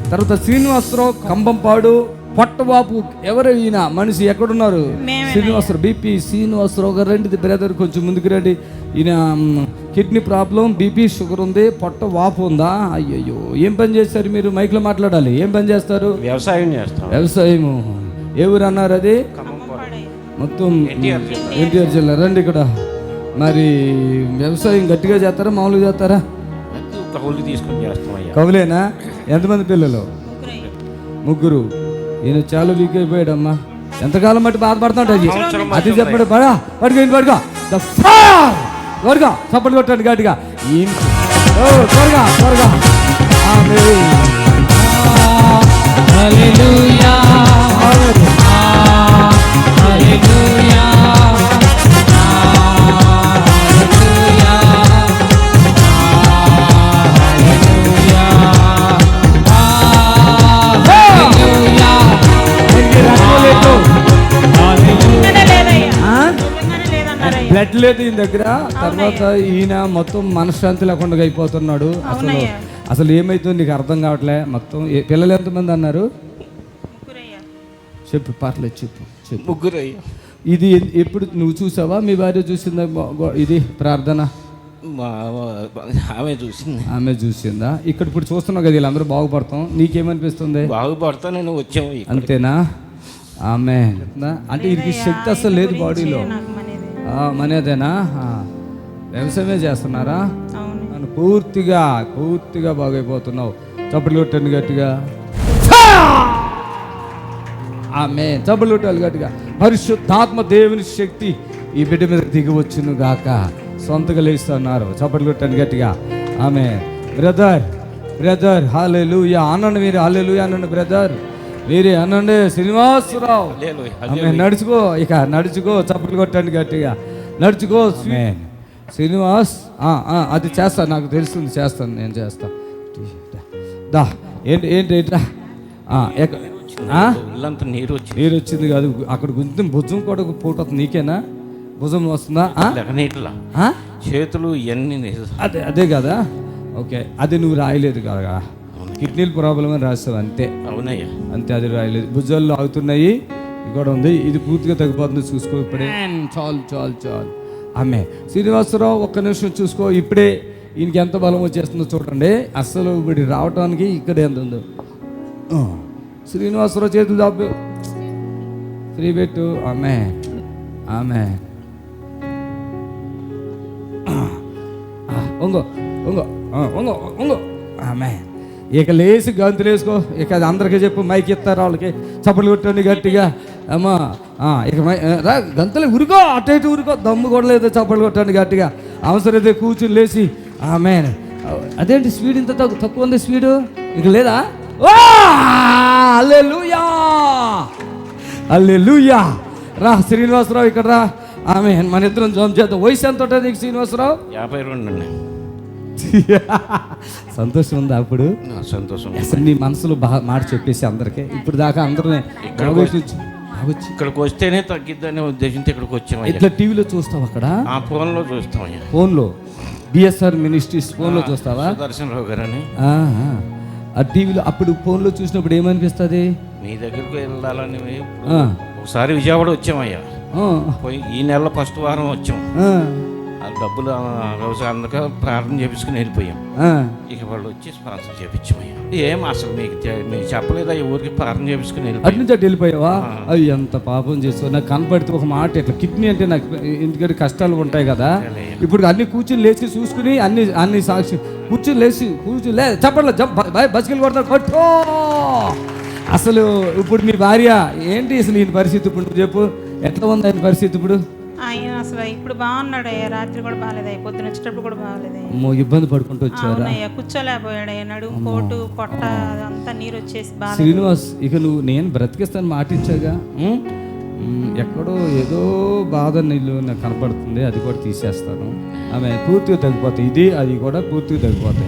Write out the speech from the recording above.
తర్వాత శ్రీనివాసరావు కంబంపాడు పొట్టవాపు. ఎవరు ఈయన మనిషి? ఎక్కడున్నారు? శ్రీనివాసరావు బీపీ శ్రీనివాసరావు గారు రండి బ్రదర్, కొంచెం ముందుకు రండి. ఈయన కిడ్నీ ప్రాబ్లం, బీపీ, షుగర్ ఉంది, పొట్ట వాపు ఉందా? అయ్యయ్యో, ఏం పని చేస్తారు మీరు? మైక్లో మాట్లాడాలి. ఏం పని చేస్తారు? వ్యవసాయం చేస్తాం. వ్యవసాయము. ఏ ఊరు అన్నారు అది? మొత్తం ఎన్టీఆర్ జిల్లా. రండి ఇక్కడ. మరి వ్యవసాయం గట్టిగా చేస్తారా మామూలుగా చేస్తారా? కౌలు తీసుకొని చేస్తాం. కౌలేనా? ఎంతమంది పిల్లలు? ముగ్గురు. ఈయన చాలా వీక్ అయిపోయాడమ్మా. ఎంతకాలం బట్టి బాధపడుతున్నాడు అది అది చెప్పాడు. పడుకో త్వరగా చప్పట్లు కొట్టండి గట్టిగా. త్వరగా త్వరగా. బ్లడ్ లేదు ఈయన దగ్గర. తర్వాత ఈయన మొత్తం మనశ్శాంతి లేకుండా అయిపోతున్నాడు. అసలు ఏమైతుందో నీకు అర్థం కావట్లే. మొత్తం పిల్లలు ఎంతమంది అన్నారు? చెప్పు, పర్లేదు చెప్పు. ముగ్గురు. ఇది ఎప్పుడు నువ్వు చూసావా? మీ భార్య చూసిందా ఇది ప్రార్థన? ఆమె చూసింది. ఆమె చూసిందా? ఇక్కడ ఇప్పుడు చూస్తున్నావు కదా, వీళ్ళందరూ బాగుపడతాం. నీకేమనిపిస్తుంది? బాగుపడతా నేను వచ్చాము. అంతేనా? ఆమె అంటే వీరికి శక్తి అసలు లేదు బాడీలో. మనదేనా? వ్యవసాయమే చేస్తున్నారా? పూర్తిగా పూర్తిగా బాగైపోతున్నావు. చప్పట్లు కొట్టండి గట్టిగా. ఆమె చప్పట్లు కొట్టాలి గట్టిగా. పరిశుద్ధాత్మ దేవుని శక్తి ఈ బిడ్డ మీద దిగి వచ్చును గాక. సొంతగా లేస్తున్నారు. చప్పట్లు కొట్టండి గట్టిగా. ఆమె బ్రదర్ బ్రదర్ హల్లెలూయా అనండి. మీరు హల్లెలూయా అనండి బ్రదర్. మీరే అనండి. శ్రీనివాసరావు ఆమె నడుచుకో, ఇక నడుచుకో. చప్పట్లు కొట్టండి గట్టిగా. నడుచుకో శ్రీనివాస్. అది చేస్తా, నాకు తెలుస్తుంది, చేస్తాను, నేను చేస్తా. దా ఏంటి ఏంటి ఏంట్రా? నీరు వచ్చింది కాదు, అక్కడ గుంజి భుజం కూడా పోతుంది. నీకేనా భుజం వస్తుందా? చేతులు ఇవన్నీ అదే అదే కదా. ఓకే, అది నువ్వు రాయలేదు కదా, కిడ్నీల ప్రాబ్లం అని రాస్తావు అంతే. అవునయ్యా, అంతే. అది రాయలేదు. భుజాల్లో ఆగుతున్నాయి, కూడా ఉంది. ఇది పూర్తిగా తగ్గిపోతుంది. చూసుకో ఇప్పుడే. చాలు చాలు చాలు. ఆమె శ్రీనివాసరావు ఒక్క నిమిషం చూసుకో. ఇప్పుడే ఈయనకి ఎంత బలం వచ్చేస్తుందో చూడండి. అస్సలు ఇప్పుడు రావటానికి ఇక్కడ ఎంత ఉందో. శ్రీనివాసరావు చేతులు దాపు ఫ్రీ పెట్టు. ఆమె ఆమె ఒంగో ఒంగో ఒంగో ఒంగో. ఆమె ఇక లేచి గంతులు వేసుకో. ఇక అది అందరికీ చెప్పు, మైక్ ఇస్తారు వాళ్ళకి. చప్పట్లు కొట్టండి గట్టిగా. అమ్మా ఇక రా గంతులు ఉరుకో, అటు ఇటు ఉరుకో. దమ్ము కూడా లేదు. చప్పట్లు కొట్టండి గట్టిగా. అవసరమైతే కూర్చుని లేచి. ఆమె అదేంటి స్పీడ్ ఇంత తక్కువ ఉంది స్పీడు? ఇక లేదా? హల్లెలూయా హల్లెలూయా. రా శ్రీనివాసరావు ఇక్కడ రా. ఆమె మన ఇద్దరం జోమ్ చేద్దాం. వయసు ఎంత ఉంటుంది నీకు శ్రీనివాసరావు? 52. సంతోషం ఉందా? అప్పుడు సంతోషం. అసలు నీ మనసులో బాగా మాట చెప్పేసి అందరికీ ఇప్పుడు దాకా అందరినీ ఇక్కడికి వస్తేనే తగ్గిద్దనే ఉద్దేశంతో ఇక్కడికి వచ్చాము. ఇట్లా టీవీలో చూస్తావు? అక్కడ ఫోన్లో చూస్తాం. ఫోన్లో బిఎస్ఆర్ మినిస్ట్రీస్ ఫోన్లో చూస్తావా? దర్శనరావు గారు అని ఆ టీవీలో. అప్పుడు ఫోన్లో చూసినప్పుడు ఏమనిపిస్తుంది? మీ దగ్గరకు వెళ్ళాలని. ఒకసారి విజయవాడ వచ్చామయ్యా. పోయి ఈ నెల ఫస్ట్ వారం వచ్చాం. డబ్బులు వ్యవసాయం అందక ప్రార్థన చేపించుకుని వెళ్ళిపోయాం. ఇక వాళ్ళు వచ్చి స్పాన్సర్ చేపించామయ్యా. ఏం అసలు మీకు చెప్పలేదా? ఊరికి ప్రార్థన చేపించుకుని అటు నుంచి అటు వెళ్ళిపోయావా? అవి ఎంత పాపం చేస్తావు. నాకు కనపడితే ఒక మాట ఇట్లా కిడ్నీ అంటే నాకు ఎందుకంటే కష్టాలు ఉంటాయి కదా. ఇప్పుడు అన్ని కూర్చుని లేచి చూసుకుని అన్ని సాక్షి కూర్చుని లేచి చెప్పట్లే బస్కెళ్ళి కొడతారు కొట్టో. అసలు ఇప్పుడు మీ భార్య ఏంటి అసలు ఈయన పరిస్థితి? ఇప్పుడు నువ్వు చెప్పు, ఎట్లా ఉంది ఆయన పరిస్థితి ఇప్పుడు? ఆయన అసలు ఇప్పుడు బాగున్నాడు. రాత్రి కూడా బాగాలేదు, పొద్దున వచ్చేటప్పుడు కూడా బాగాలేదు. ఇబ్బంది పడుకుంటూ వచ్చారా? కూర్చోలేకపోయాడు. నడుము పోటు పొట్ట అంతా నీరు వచ్చేసి బాగా. శ్రీనివాస్, ఇక నువ్వు నేను బ్రతికిస్తాను మాటించాగా. ఎక్కడో ఏదో బాధ నీళ్ళు నాకు కనపడుతుంది, అది కూడా తీసేస్తాను. ఆమె పూర్తిగా తగ్గిపోతాయి. ఇది అది కూడా పూర్తిగా తగ్గిపోతాయి.